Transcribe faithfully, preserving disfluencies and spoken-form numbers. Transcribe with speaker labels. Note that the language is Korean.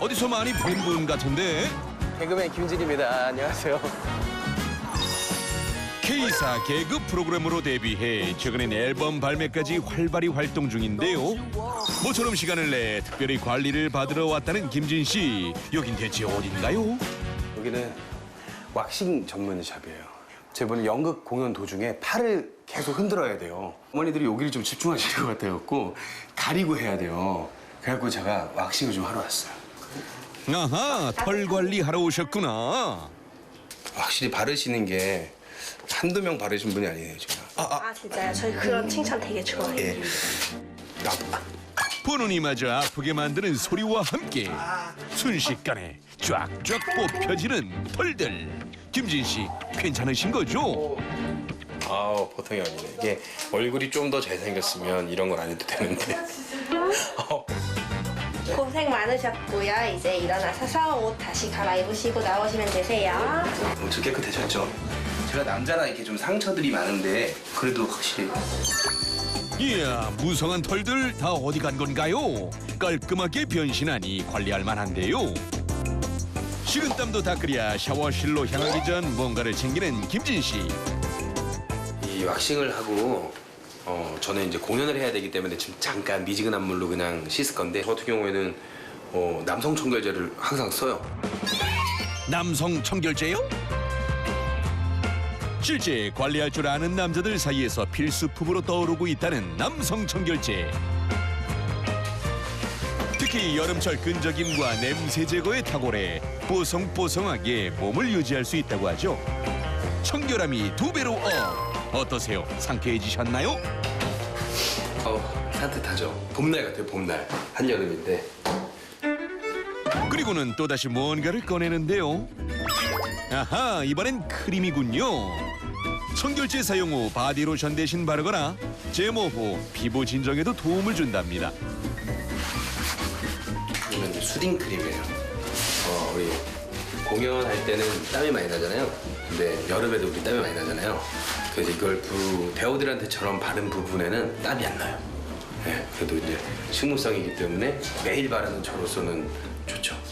Speaker 1: 어디서 많이 뵌 분 같은데?
Speaker 2: 개그맨 김진입니다. 안녕하세요.
Speaker 1: K사 개그 프로그램으로 데뷔해 최근엔 앨범 발매까지 활발히 활동 중인데요. 모처럼 시간을 내 특별히 관리를 받으러 왔다는 김진 씨. 여긴 대체 어딘가요?
Speaker 2: 여기는 왁싱 전문 샵이에요. 저번에 연극 공연 도중에 팔을 계속 흔들어야 돼요. 어머니들이 여기를 좀 집중하시는 것 같아갖고 가리고 해야 돼요. 그래갖고 제가 왁싱을 좀 하러 왔어요.
Speaker 1: 아하, 털 관리하러 오셨구나.
Speaker 2: 확실히 바르시는 게 한두 명 바르신 분이 아니에요, 지금. 아, 아,
Speaker 3: 아 진짜요? 저희 그런 칭찬 되게 좋아해요.
Speaker 2: 예. 아,
Speaker 1: 보는 이마저 아프게 만드는 소리와 함께 순식간에 쫙쫙 뽑혀지는 털들. 김진 씨, 괜찮으신 거죠?
Speaker 2: 아우, 보통이 아니네. 이게 얼굴이 좀 더 잘생겼으면 이런 건 안 해도 되는데. 어.
Speaker 3: 고생 많으셨고요. 이제 일어나셔서 옷 다시 갈아입으시고 나오시면 되세요.
Speaker 2: 엄청 깨끗해졌죠? 제가 남자라 이렇게 좀 상처들이 많은데 그래도 확실히
Speaker 1: 이야, 무성한 털들 다 어디 간 건가요? 깔끔하게 변신하니 관리할 만한데요. 식은땀도 닦으랴 샤워실로 향하기 전 뭔가를 챙기는 김진 씨.
Speaker 2: 이 왁싱을 하고 어, 저는 이제 공연을 해야 되기 때문에 지금 잠깐 미지근한 물로 그냥 씻을 건데 저 같은 경우에는 어, 남성 청결제를 항상 써요.
Speaker 1: 남성 청결제요? 실제 관리할 줄 아는 남자들 사이에서 필수품으로 떠오르고 있다는 남성 청결제. 특히 여름철 끈적임과 냄새 제거에 탁월해 뽀송뽀송하게 몸을 유지할 수 있다고 하죠. 청결함이 두 배로 업. 어떠세요? 상쾌해지셨나요?
Speaker 2: 어, 산뜻하죠. 봄날 같아요, 봄날. 한여름인데.
Speaker 1: 그리고는 또다시 뭔가를 꺼내는데요. 아하, 이번엔 크림이군요. 청결제 사용 후 바디로션 대신 바르거나 제모 후 피부 진정에도 도움을 준답니다.
Speaker 2: 이건 이제 수딩 크림이에요. 어, 우리 공연할 때는 땀이 많이 나잖아요. 근데 여름에도 우리 땀이 많이 나잖아요. 그래서 이걸 부, 배우들한테처럼 바른 부분에는 땀이 안 나요. 네, 그래도 이제 식물성이기 때문에 매일 바르는 저로서는 좋죠.